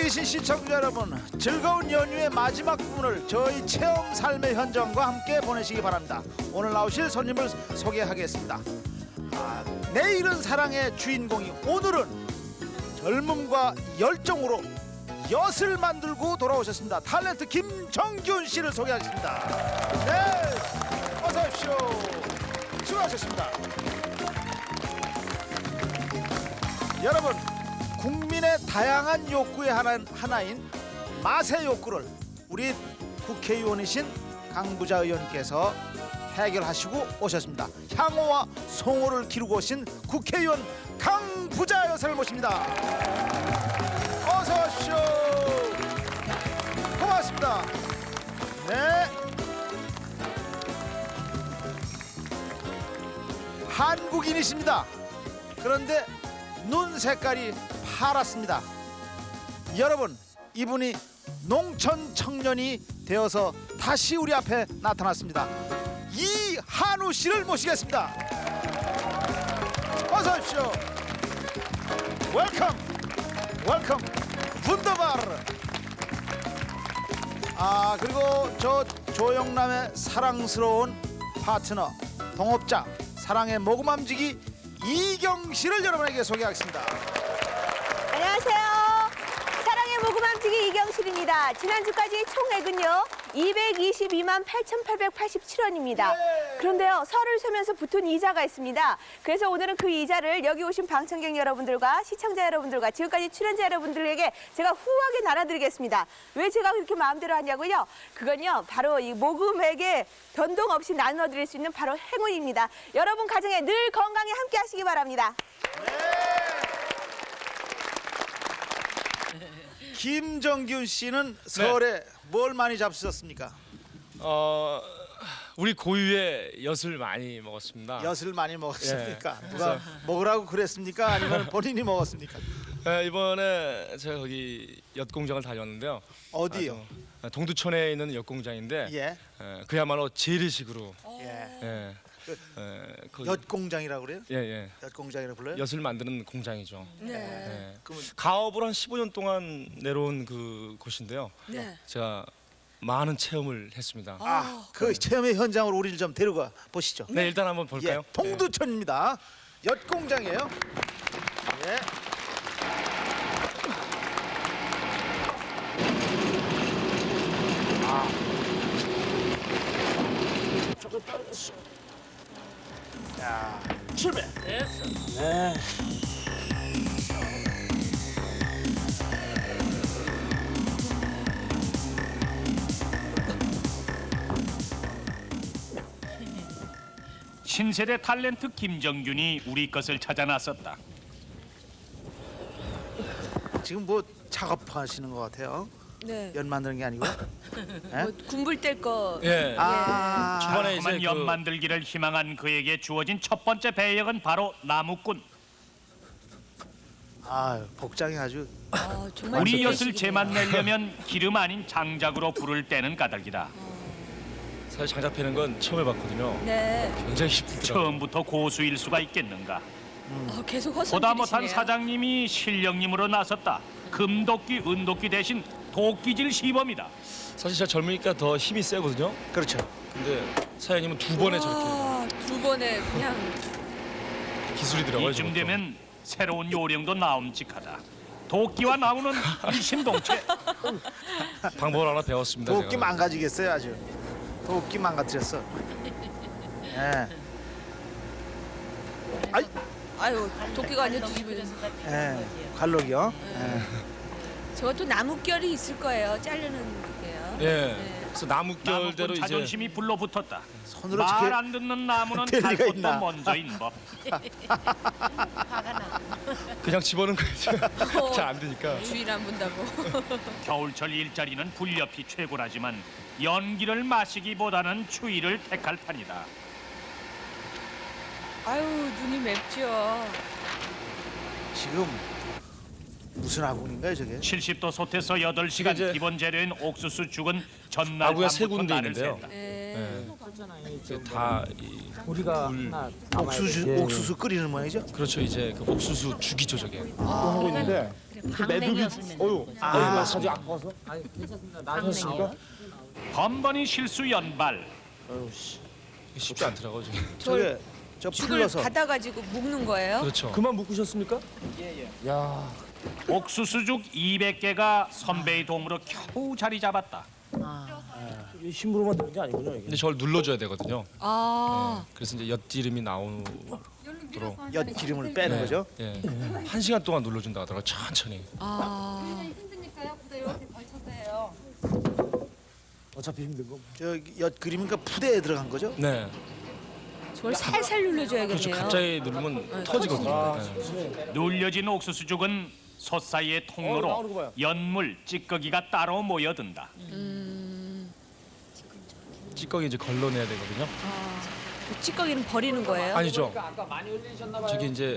계신 시청자 여러분, 즐거운 연휴의 마지막 부분을 저희 체험 삶의 현장과 함께 보내시기 바랍니다. 오늘 나오실 손님을 소개하겠습니다. 내일은 사랑의 주인공이 오늘은 젊음과 열정으로 엿을 만들고 돌아오셨습니다. 탤런트 김정균 씨를 소개하겠습니다. 네, 어서 오십시오. 수고하셨습니다. 여러분, 국민의 다양한 욕구의 하나인 맛의 욕구를 우리 국회의원이신 강부자 의원께서 해결하시고 오셨습니다. 향호와 송호를 기르고 오신 국회의원 강부자 여사를 모십니다. 어서 오십시오. 고맙습니다. 네. 한국인이십니다. 그런데 눈 색깔이 파랗습니다. 여러분, 이분이 농촌 청년이 되어서 다시 우리 앞에 나타났습니다. 이한우 씨를 모시겠습니다. 어서 오십시오. 웰컴. 웰컴. 분더바르. 그리고 저 조영남의 사랑스러운 파트너, 동업자, 사랑의 모금함지기 이경 씨를 여러분에게 소개하겠습니다. 안녕하세요. 사랑의 모금함지기 이경실입니다. 지난주까지 총액은요 222만 8,887원입니다. 그런데요, 설을 쇠면서 붙은 이자가 있습니다. 그래서 오늘은 그 이자를 여기 오신 방청객 여러분들과 시청자 여러분들과 지금까지 출연자 여러분들에게 제가 후하게 나눠드리겠습니다. 왜 제가 그렇게 마음대로 하냐고요? 그건요, 바로 이 모금액에 변동 없이 나눠드릴 수 있는 바로 행운입니다. 여러분 가정에 늘 건강히 함께 하시기 바랍니다. 김정균 씨는 설에 뭘 많이 잡수셨습니까? 우리 고유의 엿을 많이 먹었습니다. 엿을 많이 먹었습니까? 예. 누가 먹으라고 그랬습니까? 아니면 본인이 먹었습니까? 이번에 제가 거기 엿 공장을 다녔는데요. 어디요? 동두천에 있는 엿 공장인데 예. 그야말로 재래식으로 예. 그 엿 공장이라고 그래요? 예. 엿 공장이라고 불러요? 엿을 만드는 공장이죠. 네. 그러면 가업을 한 15년 동안 내려온 그 곳인데요. 네. 제가 많은 체험을 했습니다. 그 체험의 현장으로 우리를 좀 데려가 보시죠. 네, 일단 한번 볼까요? 예, 동두천입니다. 엿 공장이에요. 예. 조금 떨어졌어. 자, 출발. 네. 신세대 탤런트 김정균이 우리 것을 찾아 나섰다. 지금 뭐 작업하시는 것 같아요. 네. 연 만드는 게 아니고. 예? 군불 뗄 거. 예. 초반에 달콤한 이제 연 그 만들기를 희망한 그에게 주어진 첫 번째 배역은 바로 나무꾼. 복장이 아주. 정말 우리 엿을 재래식이네요. 제맛내려면 기름 아닌 장작으로 불을 떼는 까닭이다. 사실 장작 패는 건 처음 해봤거든요. 네. 굉장히 힘들더라고요. 처음부터 고수일 수가 있겠는가. 계속 보다 못한 헛손질이시네요. 사장님이 실령님으로 나섰다. 금도끼, 은도끼 대신 도끼질 시범이다. 사실 제가 젊으니까 더 힘이 세거든요. 그렇죠. 근데 사장님은 두 번에 저렇게 두 번에 그냥 기술이더라고요. 이쯤 저것도. 되면 새로운 요령도 나옴직하다. 도끼와 나무는 일심동체. 방법을 하나 배웠습니다. 도끼 제가. 망가지겠어요, 아주. 도끼 망가뜨렸어. 예. 아이, 아유 도끼가 아니라 뒤집어져. 예. 갈록이요. 예. 저것도 나뭇결이 있을 거예요. 자르는 게요. 예. 그래서 나뭇결대로 나무꾼 이제 자존심이 불러붙었다. 손으로 말 이렇게 안 듣는 나무는 될 갈 리가 것도 있나. 먼저인 법. 그냥 집어넣은 거예요. 잘 안 되니까. 주일 안 본다고. 겨울철 일자리는 불렵이 최고라지만 연기를 마시기보다는 추위를 택할 판이다. 아유 눈이 맵죠. 지금 무슨 아궁인가요, 저게? 70도 솥에서 8시간 이제 기본 재료인 옥수수 죽은 전날 아구가 세 밤부터 군데 날을 있는데요. 샌다. 네. 다이 우리가 물, 하나 옥수수 끓이는 모양이죠? 그렇죠. 이제 그 옥수수 주기 조절이에요. 하고 있는데 강냉이 어유 맞습니다. 아주 아파서 아니 괜찮습니다. 나셨습니까? 번번이 실수 연발. 쉽지 않더라고요. 지금. 저게 저 죽을 풀러서 받아가지고 묶는 거예요? 그렇죠. 그만 묶으셨습니까? 야, 옥수수죽 200개가 선배의 도움으로 겨우 자리 잡았다. 이 힘으로만 되는 게 아니군요 이게. 근데 저걸 눌러줘야 되거든요. 아, 그래서 이제 엿기름이 나오도록 엿 기름을 빼는 거죠. 예, 1시간 동안 눌러준다 하더라고요. 천천히. 힘드니까요. 부대 이렇게 걸쳐서 해요. 어차피 힘든 거. 저 엿 그림이니까 푸대에 들어간 거죠? 네. 저걸 살살 눌러줘야겠네요. 그렇죠. 갑자기 누르면 터지거든요. 네. 눌려진 옥수수죽은 솥 사이의 통로로 나오는 거 봐요. 연물, 찌꺼기가 따로 모여든다. 찌꺼기 이제 걸러내야 되거든요. 그 찌꺼기는 버리는 거예요? 아니죠. 아까 많이 흘리셨나 봐요. 저기 이제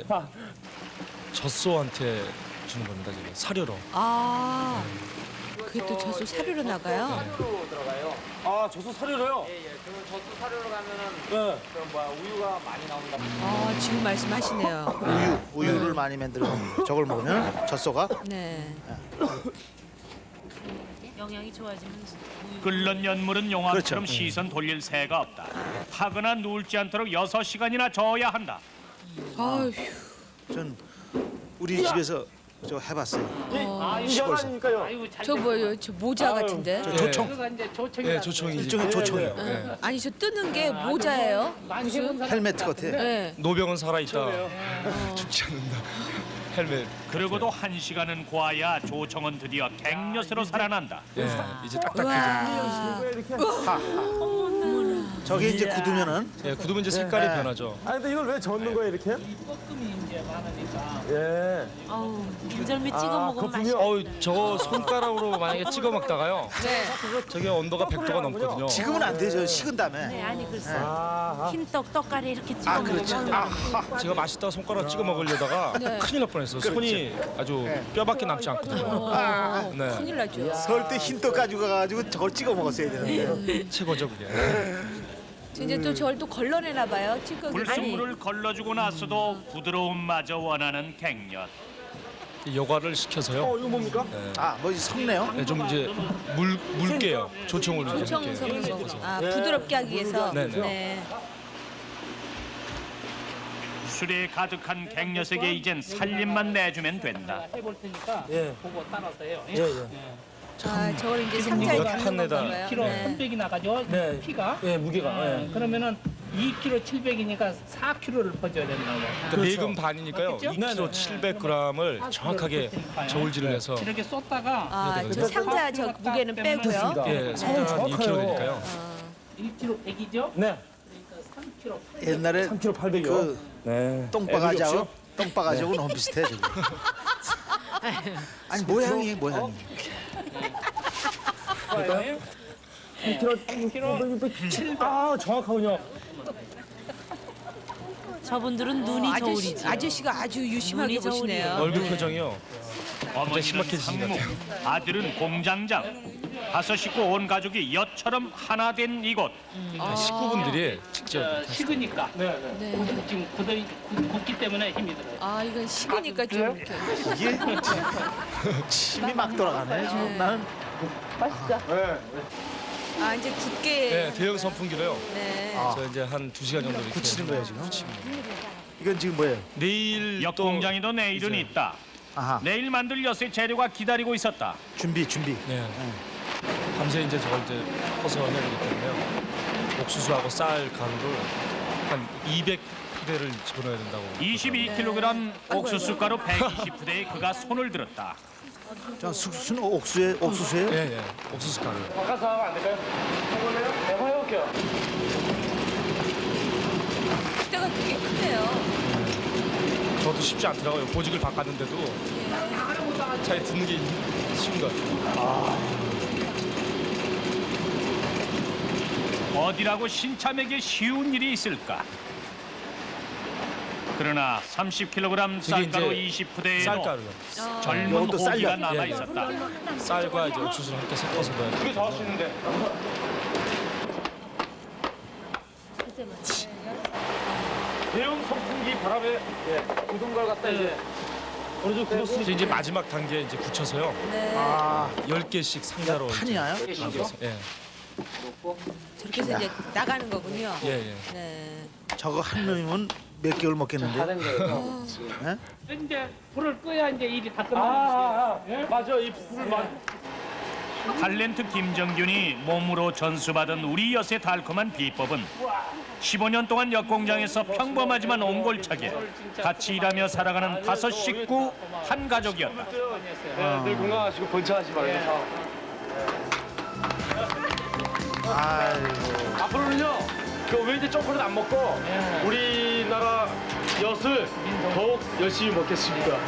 젖소한테 주는 겁니다. 지금 사료로. 아, 그게 또 저수 사료로 나가요? 사료로 들어가요. 아, 저수 사료로요? 예. 그러면 저수 사료로 가면은 그럼 뭐야 우유가 많이 나온다. 아, 지금 말씀하시네요. 우유를 많이 만들어 저걸 먹으면 젖소가 네. 영양이 좋아지면 끓는 연물은 용암처럼 그렇죠. 시선 돌릴 새가 없다. 타거나 누울지 않도록 6시간이나 저어야 한다. 아휴, 전 우리 집에서 저 해봤어요. 아, 이 시골에서. 저 뭐예요? 저 모자 같은데? 저 조청 네, 조청이 일종의 조청이에요. 네. 아니, 저 뜨는 게 모자예요? 무슨? 헬멧 같아. 네. 노병은 살아있다. 죽지 않는다. 헬멧. 그러고도 1시간은 고아야 조청은 드디어 갱년으로 살아난다. 예, 이제 딱딱해져. 우와. 저게 이제 굳으면은 예, 굳으면 이제 색깔이 변하죠. 아니 근데 이걸 왜 젓는 거예요 이렇게? 볶음이 이제 많으니까 예. 어우 인절미 찍어 먹으면 맛있. 어우, 저거 손가락으로 만약에 찍어 먹다가요. 네. 저게 온도가 100도가 넘거든요. 지금은 안 되죠. 식은 다음에. 네 아니 글쎄 아, 흰떡 떡가리 이렇게 찍어 아, 먹으면 그렇죠. 제가 맛있다 손가락 찍어 먹으려다가 네. 큰일 날 뻔했어요. 손이 아주 뼈밖에 남지 않거든요. 네, 큰일 나죠. 설 때 흰떡 가지고 가가지고 저걸 찍어 먹었어야 되는데. 최고죠 그게. 이제 또 저걸 또 걸러내나 봐요. 찌꺼기. 불순물을 걸러주고 나서도 부드러움마저 원하는 갱년. 여과를 시켜서요. 이거 뭡니까? 아, 뭐 석네요? 네, 좀 이제 물게요. 조청을 이제 조청 이렇게 섞는 섞어서. 거. 아, 부드럽게 하기 위해서. 네네. 네. 술에 가득한 갱년에게 이젠 살림만 내주면 된다. 해볼 테니까 예. 보고 따라서 해요. 예, 예. 아, 저걸 이제 상자에 담는 엿판에다. 건가요? 키로 네. 300이 나가죠. 네. 피가. 예, 무게가. 예. 그러면은 2kg 700이니까 4kg를 퍼줘야 된다고. 그러니까 매금 반이니까요. 맞겠죠? 2kg 700g을 정확하게 저울질을 해서 이렇게 쏟다가 아, 저 상자 저 무게는 빼고요. 예, 상당한 정확하네요. 2kg 되니까요. 1kg 100이죠. 네. 그러니까 3kg 옛날에 3kg 800이요. 그 네. 똥바가지하고 똥바가지하고 너무 비슷해 저기. 아니 모양이. 3kg 700. 아, 정확하군요. 저분들은 눈이 저울이지. 아저씨가 아주 유심하게 눈이 저울이에요. 보시네요. 얼굴 표정이요. 어머니는 신박해지신 것 상무, 아들은 공장장. 5 식구 온 가족이 엿처럼 하나 된 이곳. 식구분들이 직접 식으니까. 네, 네. 지금 굳기 때문에 힘이 들어요. 아, 이건 식으니까 좀 이렇게. 이게 침이 막 돌아가네. 지금 나는 아, 이제 굳게. 네, 대형 선풍기로요. 네. 저 이제 한 2시간 정도 이렇게 굳히는 거예요 지금. 굳힙니다. 이건 지금 뭐예요? 내일 엿 또 공장에도 내일은 있다. 아하. 내일 만들 엿의 재료가 기다리고 있었다. 준비. 네. 밤새 이제 저걸 이제 퍼서 해야 되기 때문에요. 옥수수하고 쌀 가루를 한 200푸대를 집어넣어야 된다고. 22kg 옥수수 가루 120푸대에 그가 손을 들었다. 저 옥수수는 옥수수예요? 예, 예. 옥수수 가루. 바꿔서 하면 안 될까요? 해볼래요? 네, 해볼게요. 그때가 되게 크네요. 저도 쉽지 않더라고요. 보직을 바꿨는데도 잘 듣는 게 쉬운 것 같아요. 어디라고 신참에게 쉬운 일이 있을까? 그러나 30kg 쌀가루 이제 20푸대에도 쌀가루요. 젊은 이것도 호기가 쌀가루. 남아 예, 예. 있었다. 쌀과 이제 옥수수를 함께 섞어서 넣어야 돼요. 이게 더 하시는데. 대형 선풍기 바람에 굳은 걸 갖다 이제 어느 정도 굳었으니까 이제 마지막 단계 이제 굳혀서요. 네. 아, 10개씩 상자로 판이야요? 남겨서. 예. 저렇게 해서 이제 나가는 거군요. 예, 예. 네. 저거 한 놈이면 몇 개월 먹겠는데? 다된 거예요. 이제 불을 끄야 이제 일이 다 끝나는 맞아 이 불을 맞. 탤런트 김정균이 몸으로 전수받은 우리 엿의 달콤한 비법은 15년 동안 엿 공장에서 평범하지만 옹골차게 같이 일하며 살아가는 5 식구 한 가족이었다. 늘 건강하시고 번창하시 말고. 아이고. 앞으로는요 그 웨이트 초콜릿 안 먹고 우리나라 엿을 더욱 열심히 먹겠습니다.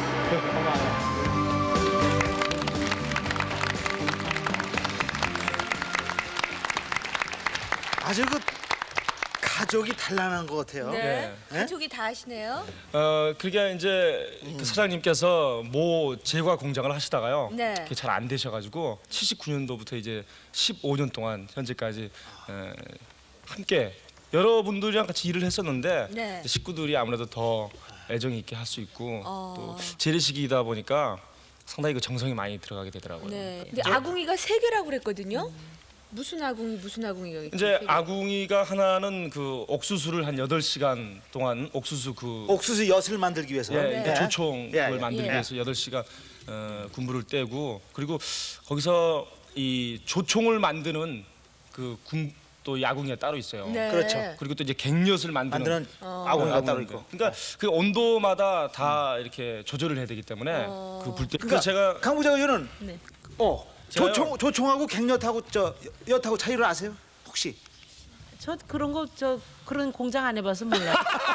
아주 그 가족이 단란한 것 같아요. 네. 네? 가족이 다 하시네요. 그게 이제 그 사장님께서 모 제과 공장을 하시다가요. 네. 그게 잘 안 되셔가지고 79년도부터 이제 15년 동안 현재까지 함께 여러분들이랑 같이 일을 했었는데 네. 이제 식구들이 아무래도 더 애정이 있게 할 수 있고 어. 또 재래식이다 보니까 상당히 그 정성이 많이 들어가게 되더라고요. 네. 근데 아궁이가 3개라고 그랬거든요. 무슨 아궁이가 이제 아궁이가 하나는 그 옥수수를 한 8시간 동안 옥수수 그 옥수수 엿을 만들기 위해서. 예, 네. 그러니까 조총을 예, 예. 만들기 예. 위해서 8시간 군부를 떼고 그리고 거기서 이 조총을 만드는 그 또 야궁이가 따로 있어요. 네. 그렇죠. 그리고 또 이제 갱엿을 만드는 만드는 아궁이가 따로 아궁이인데. 있고. 그러니까 그 온도마다 다 이렇게 조절을 해야 되기 때문에 그 불때 그러니까 제가 강 부장 의원은 네. 제가요? 조총하고 갱엿하고 엿하고 차이를 아세요? 혹시? 저 그런 거 그런 공장 안 해봐서 몰라요.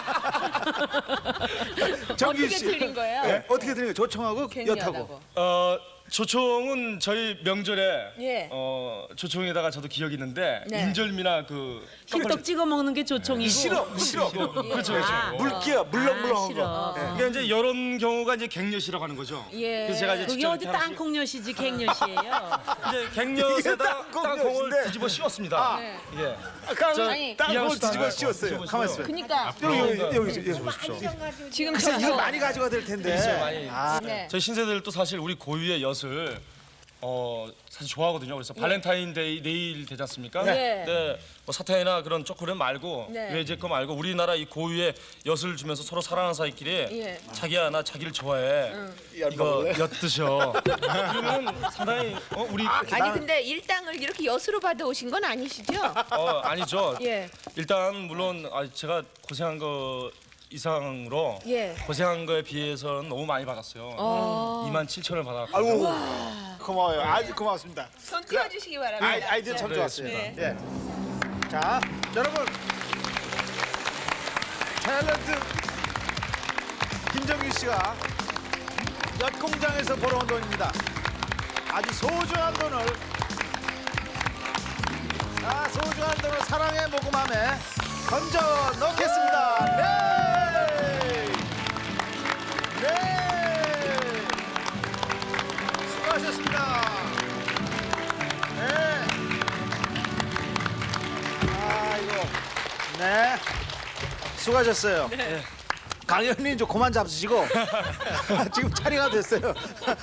정규 어떻게 씨. 틀린 거예요? 네? 어떻게 들린 거예요? 조총하고 엿하고. 갱년하고. 조총은 저희 명절에 예. 조총에다가 저도 기억이 있는데 네. 인절미나 그 흰떡 찍어 먹는 게 조총이고. 시럽. 그렇죠, 그렇죠. 물기야 물렁물렁한 싫어. 거. 그러니까 이제 이런 경우가 이제 갱엿이라고 하는 거죠. 예. 그래서 제가 이제 그게 직접 어디 이렇게 하나씩 땅콩엿이지 갱엿이에요. 이제 갱엿에다 땅콩 땅콩을 엿인데. 뒤집어 씌웠습니다. 네. 이게 아니, 땅콩을 이양식 뒤집어 다 씌웠어요. 뒤집어 가만 씌워요. 있어요. 그러니까 여기 보십시오. 지금 글쎄 이거 저 많이 가져가 될 텐데. 있어요, 많이. 아, 네. 저희 신세들도 사실 우리 고유의 엿을 사실 좋아하거든요. 그래서 발렌타인데이 내일 되지 않습니까? 네. 네. 뭐 사탕이나 그런 초콜릿 말고 네. 외제 거 말고 우리나라 이 고유의 엿을 주면서 서로 사랑하는 사이끼리 예. 자기야 나 자기를 좋아해. 이거 엿 드셔. 그러면 상당히 우리 아니 근데 일당을 이렇게 엿으로 받아오신 건 아니시죠? 아니죠. 예. 일단 물론 제가 고생한 거 이상으로 예. 고생한 거에 비해서는 너무 많이 받았어요. 27,000원을 받았고. 아이고 고마워요. 아주 고맙습니다. 손 띄워주시기 바랍니다. 아이디어 참 네, 좋았어요. 네. 예. 자, 여러분 탤런트 김정규 씨가 엿 공장에서 벌어온 돈입니다. 아주 소중한 돈을 사랑의 모금함에 건져 넣겠습니다. 네, 네, 수고하셨습니다. 네. 네. 수고하셨어요. 강 의원님 좀 그만 잡수시고 지금 차례가 됐어요.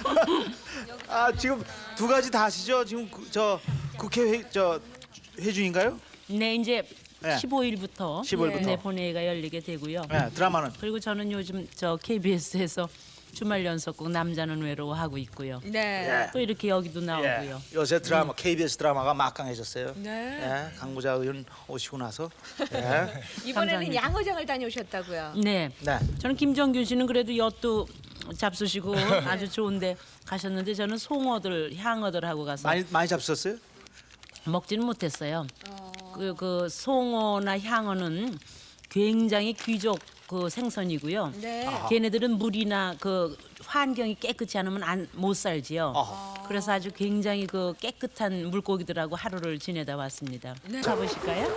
지금 2가지 다 하시죠? 지금 국회 회중인가요? 네, 이제 네. 15일부터 15일부터. 네, 본회의가 열리게 되고요. 네, 드라마는 그리고 저는 요즘 KBS에서 주말 연속극 남자는 외로워 하고 있고요. 네. 또 이렇게 여기도 나오고요. 요새 드라마 KBS 드라마가 막강해졌어요. 네. 강부자 의원 오시고 나서. 네. 이번에는 감사합니다. 양어장을 다녀오셨다고요. 네. 네. 저는 김정균 씨는 그래도 엿도 잡수시고 아주 좋은데 가셨는데 저는 송어들, 향어들 하고 가서 많이 잡수셨어요? 먹지는 못했어요. 그 송어나 향어는 굉장히 귀족 그 생선이고요. 네. 걔네들은 물이나 그 환경이 깨끗지 않으면 못 살지요. 그래서 아주 굉장히 그 깨끗한 물고기들하고 하루를 지내다 왔습니다. 가보실까요?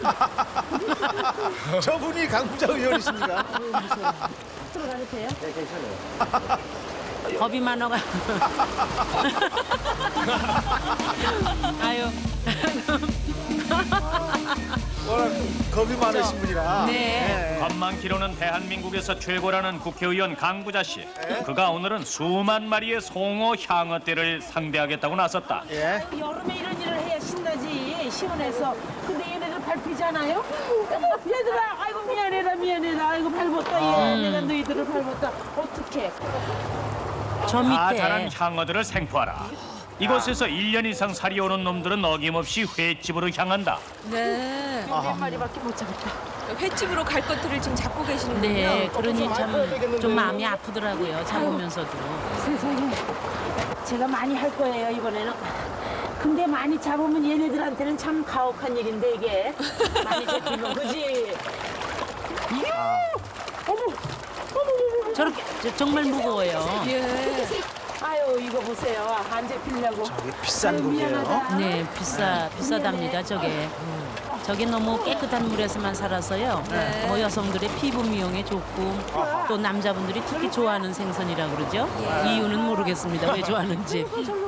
저분이 강부자 의원이십니까? 들어가도 돼요? 네, 괜찮아요. 겁이 많아가. 아유. 워낙 겁이 많으신 분이라. 네. 겁만 키로는 대한민국에서 최고라는 국회의원 강부자 씨. 그가 오늘은 수만 마리의 송어 향어떼를 상대하겠다고 나섰다. 예. 여름에 이런 일을 해야 신나지 시원해서. 근데 얘네들 밟히잖아요. 얘들아, 아이고 미안해라. 아이고 밟았다. 얘. 내가 너희들을 밟았다. 어떡해. 저 다 밑에 자란 향어들을 생포하라. 이곳에서 1년 이상 살이오는 놈들은 어김없이 횟집으로 향한다. 네. 몇 마리밖에 못 잡았다. 횟집으로 갈 것들을 지금 잡고 계시는군요. 네, 그러니 참 좀 마음이 아프더라고요. 잡으면서도. 세상에. 제가 많이 할 거예요 이번에는. 근데 많이 잡으면 얘네들한테는 참 가혹한 일인데 이게 많이 잡히면 그지? 저렇게 정말 무거워요. 예. 아유 이거 보세요 안 잡히려고. 저게 비싼 고기예요. 네, 비싸답니다. 저게 너무 깨끗한 물에서만 살아서요. 뭐 여성들의 피부 미용에 좋고 또 남자분들이 특히 좋아하는 생선이라고 그러죠. 이유는 모르겠습니다. 왜 좋아하는지.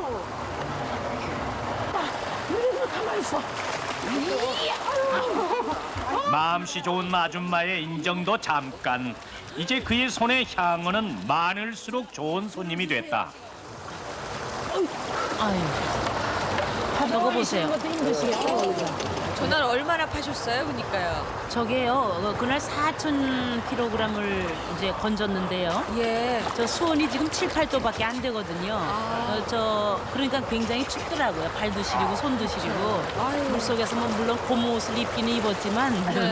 가만히 있어. 마음씨 좋은 아줌마의 인정도 잠깐. 이제 그의 손의 향어는 많을수록 좋은 손님이 됐다. 아유, 저거 보세요. 것도 힘드시겠다. 전날 얼마나 파셨어요? 그러니까요. 저게요. 그날 4,000kg을 이제 건졌는데요. 예. 저 수온이 지금 7, 8도밖에 안 되거든요. 그러니까 굉장히 춥더라고요. 발도 시리고 손도 시리고. 물속에서 뭐 물론 고무옷을 입기는 입었지만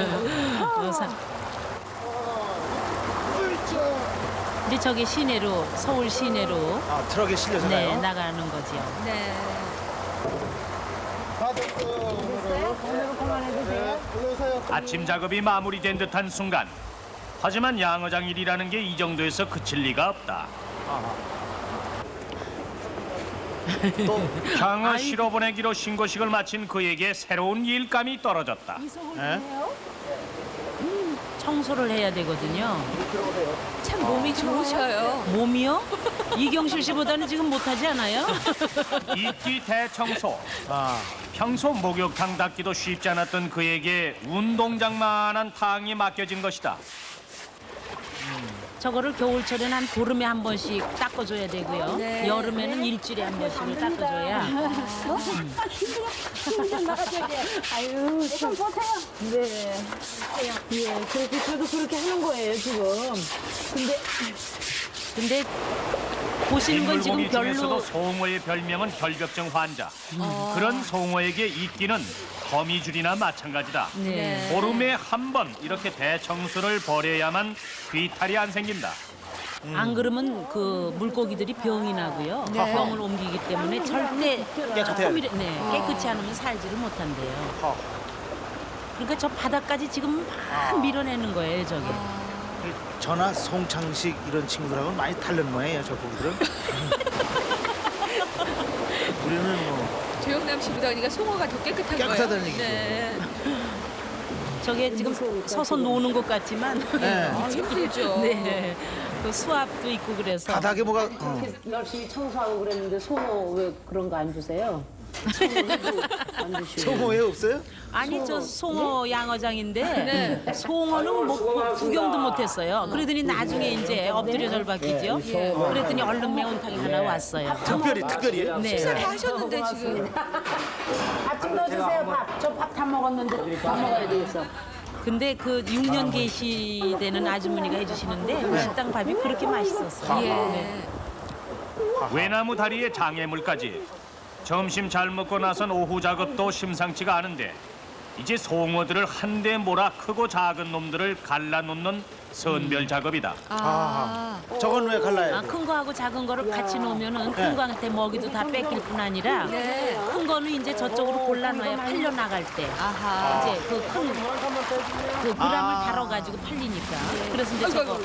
이제 저게 시내로 서울 시내로 아, 트럭에 실려서 네, 가요? 나가는 거죠. 네. 아침 작업이 마무리된 듯한 순간. 하지만 양어장 일이라는 게 이 정도에서 그칠 리가 없다. 또 향어 실어보내기로 신고식을 마친 그에게 새로운 일감이 떨어졌다. 예? 청소를 해야 되거든요. 참 몸이 좋으셔요. 몸이요? 이경실 씨보다는 지금 못하지 않아요? 이끼 대청소. 아, 평소 목욕탕 닦기도 쉽지 않았던 그에게 운동장만한 탕이 맡겨진 것이다. 저거를 겨울철에는 한 보름에 한 번씩 닦아줘야 되고요. 네. 여름에는 일주일에 한 번씩을 닦아줘야. 아유 참 보세요. 네. 예 그렇게 저도 그렇게 하는 거예요 지금. 근데 보시는 건 지금 인물고기 중에서도 별로 송어의 별명은 결벽증 환자. 그런 송어에게 이끼는 거미줄이나 마찬가지다. 네. 보름에 한 번 이렇게 대청소를 벌여야만 귀탈이 안 생긴다. 안 그러면 그 물고기들이 병이 나고요. 병을 옮기기 때문에 절대 깨끗해요. 깨끗이 않으면 살지를 못한대요. 허. 그러니까 저 바닥까지 지금 막 밀어내는 거예요, 저게. 저나 송창식 이런 친구들하고는 많이 다른 모양이에요, 저 고기들은. 우리는 뭐 조영남 씨보다 그러니까 송어가 더 깨끗한 거예요. 깨끗하다는 얘기죠. 네. 저게 지금 서서 노는 것 같지만 네. 힘들죠. 네. 그 수압도 있고 그래서 바닥에 뭐가 열심히 청소하고 그랬는데 송어 왜 그런 거 안 주세요? 송어도 안 주시고. 송어회 없어요? 아니 저 송어 양어장인데 송어는 뭐 구경도 못했어요. 그러더니 나중에 이제 엎드려 절박이죠. 그랬더니 얼른 매운탕이 하나 왔어요. 특별히요? 네. 식사 다 하셨는데 지금. 밥 좀 넣어주세요 밥. 저 밥 다 먹었는데 밥 먹어야 되겠어. 근데 그 6년 계시되는 아주머니가 해주시는데 그 식당 밥이 그렇게 맛있었어요. 네. 외나무 다리에 장애물까지. 점심 잘 먹고 나선 오후 작업도 심상치가 않은데 이제 송어들을 한데 몰아 크고 작은 놈들을 갈라놓는 선별 작업이다. 저건 왜 갈라요? 큰 거하고 작은 거를 같이 놓으면은 큰 거한테 먹이도 다 뺏길 뿐 아니라 큰 거는 이제 저쪽으로 골라놔야 팔려 나갈 때 아하. 이제 그 큰 그 그람을 달아가지고 팔리니까. 그래서 이제 저거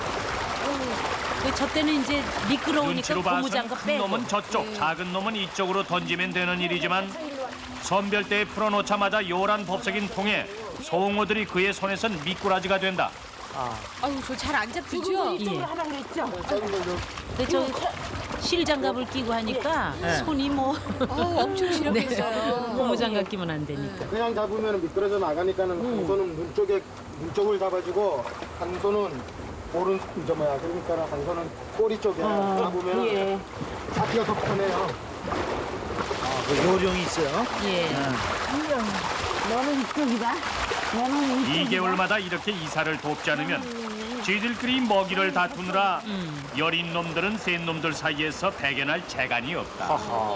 저 때는 이제 미끄러우니까 눈치로 봐선 고무장갑 큰 빼고. 놈은 저쪽, 작은 놈은 이쪽으로 던지면 되는 일이지만 선별대에 풀어놓자마자 요란 법석인 통에 송어들이 그의 손에선 미꾸라지가 된다. 아유, 저 잘 안 잡히죠? 예. 하라 그랬죠? 근데 저 실장갑을 끼고 하니까 손이 뭐 엄청 시렵겠어요. 고무장갑 끼면 안 되니까. 그냥 잡으면 미끄러져 나가니까는 한 손은 문 쪽을 잡아주고 한 손은 오른 그러니까 한 손은 꼬리 쪽에 잡으면 잡기가 더 편해요. 그 요령이 있어요. 예. 너는 이쪽이다. 너는 2개월마다 이렇게 이사를 돕지 않으면 쥐들끼리 먹이를 다투느라 여린 놈들은 센 놈들 사이에서 배견할 재간이 없다.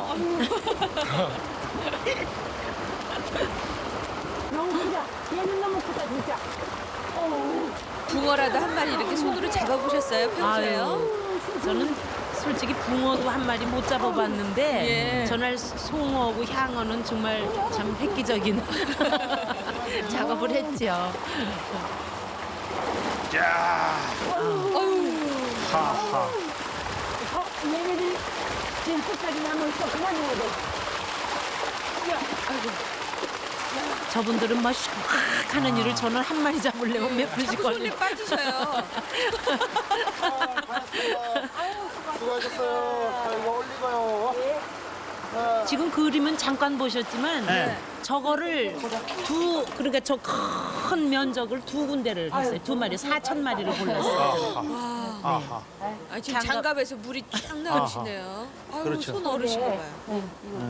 너무 크다. 얘는 너무 크다 진짜. 붕어라도 한 마리 이렇게 손으로 잡아보셨어요? 평소에요? 아유, 저는 솔직히 붕어도 한 마리 못 잡아봤는데 예. 전날 송어하고 향어는 정말 참 획기적인 작업을 했죠. 얘네들 지금 끝까지 남아있어. 그만해야 돼. 저분들은 막 슉 하는 일을 저는 한 마리 잡으려면 몇 분씩 자꾸 손에 걸리고. 빠지셔요. 수고하셨어요. 자, 이거 올리고요. 지금 그림은 잠깐 보셨지만 네. 저거를 그러니까 저 큰 면적을 2군데를 했어요. 2마리 4,000마리를 골랐어요. 아하. 아, 지금 장갑에서 물이 쫙 나오시네요. 아유, 그렇죠. 손 어르신가 봐요.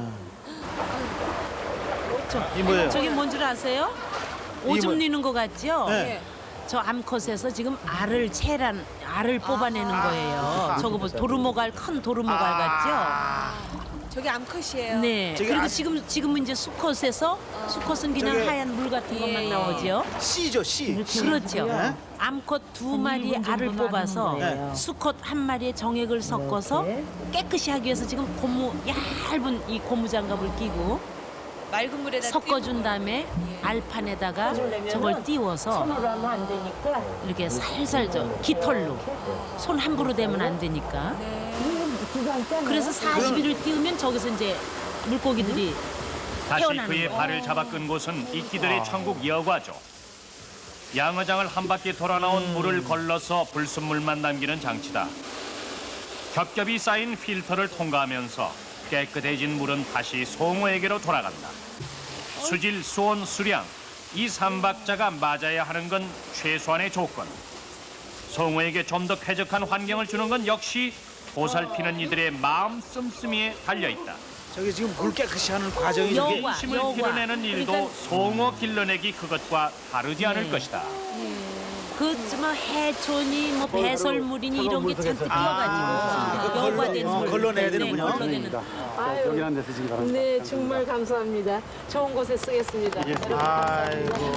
이 뭐예요? 저게 뭔 줄 아세요? 오줌 뭐- 넣는 거 같죠? 네. 저 암컷에서 지금 알을 뽑아내는 거예요. 저거 뭐 도루묵알 큰 도루묵알 같죠? 저게 암컷이에요. 네. 저기 그리고 아- 지금은 이제 수컷에서 수컷은 그냥 저게- 하얀 물 같은 것만 예. 나오죠. 씨죠, 씨. 그렇죠. 네. 암컷 2마리의 알을 뽑아서 네. 수컷 1마리의 정액을 섞어서 깨끗이 하기 위해서 지금 얇은 이 고무장갑을 끼고 맑은 물에다 섞어준 다음에 알판에다가 저걸 띄워서 손으로 하면 안 되니까. 이렇게 살살 깃털로 손 함부로 대면 안 되니까. 그래서 40일을 띄우면 저기서 이제 물고기들이 다시 태어나는 그의 거예요. 발을 잡아 끈 곳은 이끼들의 천국 여과죠. 양어장을 한 바퀴 돌아 나온 물을 걸러서 불순물만 남기는 장치다. 겹겹이 쌓인 필터를 통과하면서 깨끗해진 물은 다시 송어에게로 돌아간다. 수질, 수온, 수량 이 3박자가 맞아야 하는 건 최소한의 조건. 송어에게 좀 더 쾌적한 환경을 주는 건 역시 보살피는 이들의 마음 씀씀이에 달려있다. 저기 지금 물 깨끗이 하는 과정이 여과. 이게 힘을 길러내는 일도 그러니까- 송어 길러내기 그것과 다르지 않을 것이다. 그뭐 해촌이 뭐 배설물이니 이런 게 잔뜩 끼어가지고 여과된 물 걸러내야 되는군요. 걸러내는. 여기는 데 쓰시기 바랍니다. 네, 정말 감사합니다. 좋은 곳에 쓰겠습니다. 아이고.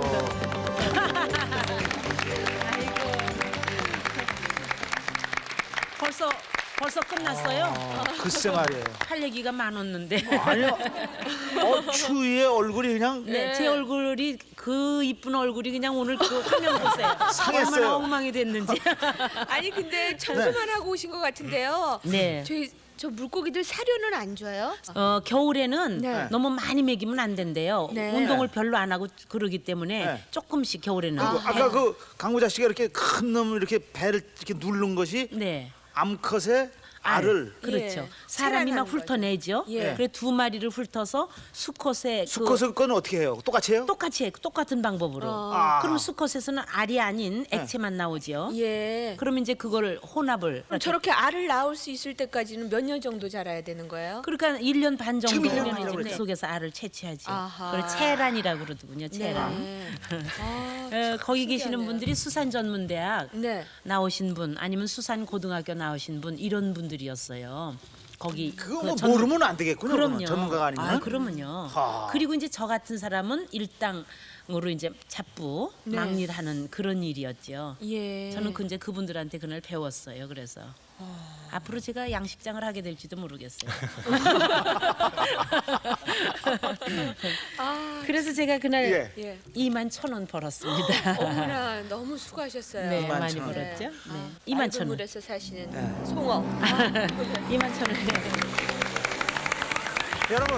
벌써 끝났어요. 글쎄 말이에요. 할 얘기가 많았는데. 아니요. 추위에 얼굴이 그냥 네, 제 얼굴이 그 이쁜 얼굴이 그냥 오늘 그 화면 보세요. 상했어요. 얼마나 엉망이 됐는지. 아니 근데 청소만 하고 오신 것 같은데요. 네. 저 물고기들 사료는 안 줘요? 겨울에는 네. 너무 많이 먹이면 안 된대요. 네. 운동을 별로 안 하고 그러기 때문에 네. 조금씩 겨울에는. 아까 그 강부자 씨가 이렇게 큰 놈을 이렇게 배를 이렇게 누른 것이 네. 암컷의 알을 그렇죠. 예. 사람이 막 체란하는 훑어내죠. 예. 그래 2마리를 훑어서 수컷의 수컷의 거는 어떻게 해요? 똑같이 해요? 똑같이 해, 똑같은 방법으로. 아. 그럼 수컷에서는 알이 아닌 액체만 나오죠. 예. 그럼 이제 그거를 혼합을. 그럼 저렇게 알을 낳을 수 있을 때까지는 몇 년 정도 자라야 되는 거예요? 그러니까 1년 반 정도 지금 1년 되면 반이라고 이제 그 그랬죠. 속에서 알을 채취하지. 아하. 그걸 체란이라고 그러더군요. 체란. 네. 아, 거기 계시는 신기하네요. 분들이 수산전문대학 네. 나오신 분 아니면 수산고등학교 나오신 분 이런 분들이었어요. 거기 그거 그 뭐 전- 모르면 안 되겠군요. 그럼요. 그러면 전문가가 아니면. 아, 그러면요. 하. 그리고 이제 저 같은 사람은 일당으로 이제 잡부 네. 막일하는 그런 일이었죠. 예. 저는 이제 그분들한테 그날 배웠어요. 그래서 앞으로 제가 양식장을 하게 될지도 모르겠어요. 그래서 제가 그날 예. 예. 21,000원 벌었습니다. 어머나 너무 수고하셨어요. 네, 많이 21,000원. 벌었죠. 네. 아, 21,000원. 물에서 사시는 송어. 21,000원. 여러분,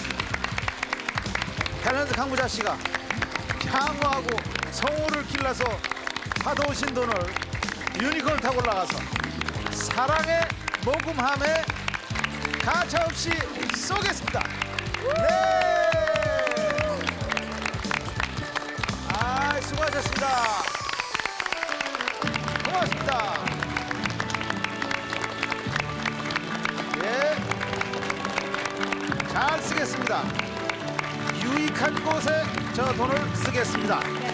탤런트 강부자 씨가 향어하고 성우를 길러서 받아오신 돈을 유니콘을 타고 올라가서 사랑의 모금함에 가차없이 쏘겠습니다. 네. 아, 수고하셨습니다. 고맙습니다. 예. 잘 쓰겠습니다. 유익한 곳에 저 돈을 쓰겠습니다.